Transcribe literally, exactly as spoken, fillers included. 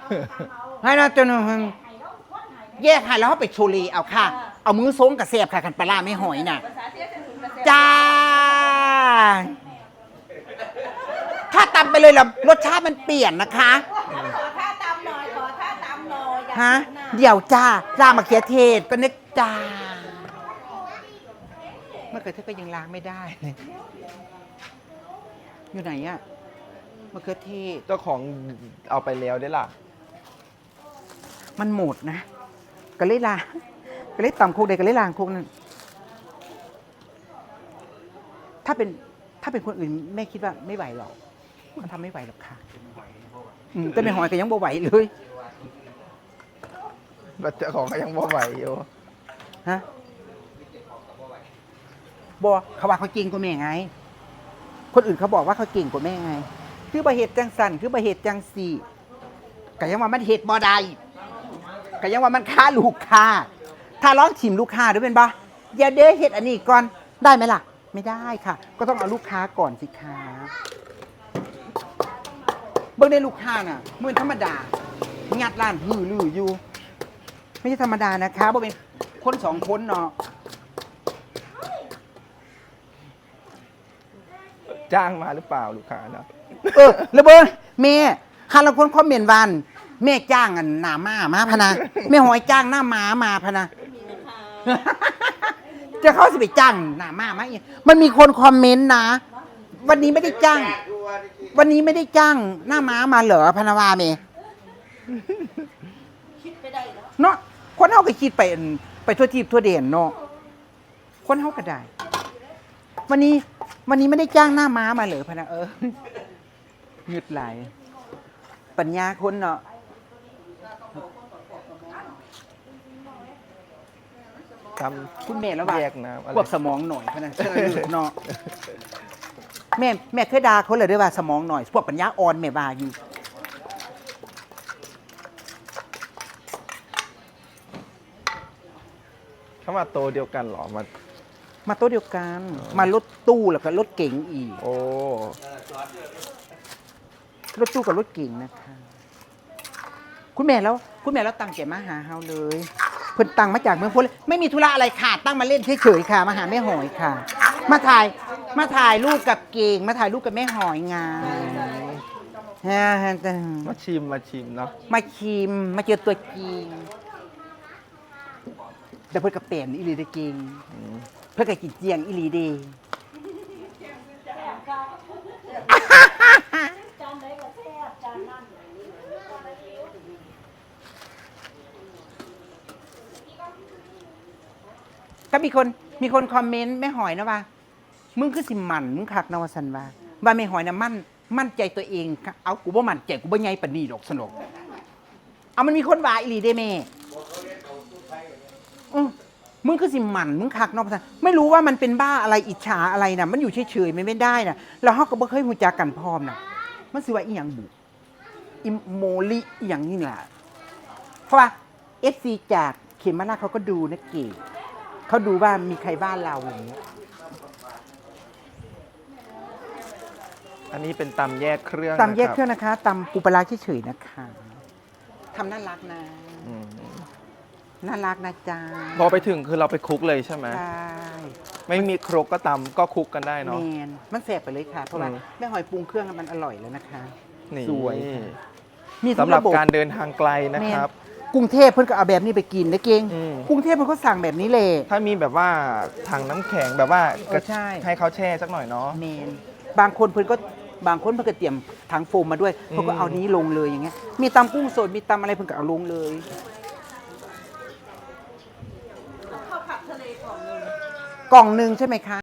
ให้นะจนแยกให้แล้วเขาไปโชลีเอาค่ะเอามือซงกับเสียบค่ะกันปลาไม่หอยน่ะจ้าถ้าตำไปเลยล่ะรสชาติมันเปลี่ยนนะคะขอท่าตำหน่อยขอท่าตำหน่อยฮะเดี๋ยวจ้าจ้ามาเขียเทศก็นึกจ้าเมื่อเกิดเธอก็ยังล้างไม่ได้เลยอยู่ไหนอะมะเขือเทศเจ้าของเอาไปแล้วได้ล่ะมันหมดนะก็เลยล้างก็เลยตำคุกใดก็เลยล้างคุกนั่นถ้าเป็นถ้าเป็นคนอื่นแม่คิดว่าไม่ไหวหรอกมันทำไม่ไหวหรอกค่ะแต่ไม่หอยก็ยังบ่ไหวเลยเจ้าของก็ยังบ่ไหวอยู่ฮะบ่เขาว่าเขาเก่งกว่าแม่ไงคนอื่นเขาบอกว่าเขาเก่งกว่าแม่ไงคือบะเหตุจังสันคือบะเหตุจังสี่ก็ยังว่ามันเหตุบ่ได้ก็ยังว่ามันฆ่าลูกค้าถ้าร้องชิมลูกค้าด้วยเป็นปะอย่าเด้เหตุอันนี้ก่อนได้ไหมล่ะไม่ได้ค่ะก็ต้องเอาลูกค้าก่อนสิคะเบิ่งได้ลูกค้าน่ะเหมือนธรรมดางัดร้านหื้อลืออยู่ไม่ใช่ธรรมดานะคะบ่เป็นคนสองคนเนาะจ้างมาหรือเปล่าลูกค้าเนาะเออระเบิดแม่ฮาลังคนคอมเมนต์วันแม่จ้างอันหน้าม้ามาพะนะแม่หอยจ้างหน้าม้ามาพะนะจะเข้าสิไปจ้างหน้าม้ามาอีกมันมีคนคอมเมนต์นะวันนี้ไม่ได้จ้างวันนี้ไม่ได้จ้างหน้าม้ามาเหรอพนาวาเมเนาะคนเฮาก็คิดไปไปทั่วทิพย์ทั่วเด่นเนาะคนเฮาก็ได้วันนี้วันนี้ไม่ได้จ้างหน้าม้ามาเหรอพนะเออหยุดไหลปัญญาคนเนาะคุณแม่แล้วว่าควบสมองหน่อยพนะเนาะแม่แม่เคยด่าเขาเลยด้วยว่าสมองหน่อยพวกปัญญาอ่อนแม่ว่าอยู่เขามาโตเดียวกันหรอมามาโต๊ะเดียวกันมารถตู้แล้วก็รถเก๋งอีกโอ้รถตู้กับรถเก๋งนะคะคุณแม่แล้วคุณแม่แล้วตั้งใจมาหาเฮาเลยเพิ่นตั้งมาจากเมืองพ้นไม่มีธุระอะไรค่ะตั้งมาเล่นเฉยๆค่ะมาหาแม่หอยค่ะมาถ่ายมาถ่ายรูปกับเก่งมาถ่ายรูปกับแม่หอยงานฮะมาชิมมาชิมเนาะมาชิมมาเจอตัวจริงแต่เพิ่นกับเปลี่ยนอีหลีได้เก่งเพื่อกินเจียงอิลีดีก็มีคนมีคนคอมเมนต์แม่หอยนะว่ามึงคือสิมันมึงคักนวสันว่าว่าแม่หอยนะมั่นมั่นใจตัวเองเอากูบ่มั่นใจกูบ่ใหญ่ปานนี้ดอกสนุกเอามันมีคนว่าอิลีได้แม่อือมึงคือสิหมันมึงคักนอกภาษาไม่รู้ว่ามันเป็นบ้าอะไรอิจฉาอะไรนะมันอยู่เฉยๆมันไม่ได้นะแล้วเขาก็บ่เคยหูจักกันพร้อมนะมันสิว่าอีหยังบุอิโมลิอีหยังนี่แหละเพราะว่าเอฟซีจากเขมราชเขาก็ดูนะเก๋เขาดูว่ามีใครบ้านเราอย่างนี้อันนี้เป็นตำแยกเครื่องตำแยกเครื่องนะคะตำปูปลาร้าเฉยๆนะคะทำน่ารักนะน่ารักนะจ๊ะพอไปถึงคือเราไปคุกเลยใช่ไหมใช่ไม่มีครกก็ตำก็คุกกันได้เนาะแมนมันแสบไปเลยค่ะเพราะว่าแม่หอยปรุงเครื่องมันอร่อยแล้วนะคะสวยมีสำหรับการเดินทางไกลนะครับกรุงเทพเพิ่นก็เอาแบบนี้ไปกินนะเก่งกรุงเทพเพิ่นก็สั่งแบบนี้เลยถ้ามีแบบว่าถังน้ำแข็งแบบว่าให้เขาแช่สักหน่อยเนาะแมนบางคนเพิ่นก็บางคนเพิ่นก็เตรียมถังโฟมมาด้วยเพิ่นก็เอานี้ลงเลยอย่างเงี้ยมีตำกุ้งสดมีตำอะไรเพิ่นก็เอาลงเลยกล่องหนึ่งใช่ไหมคะ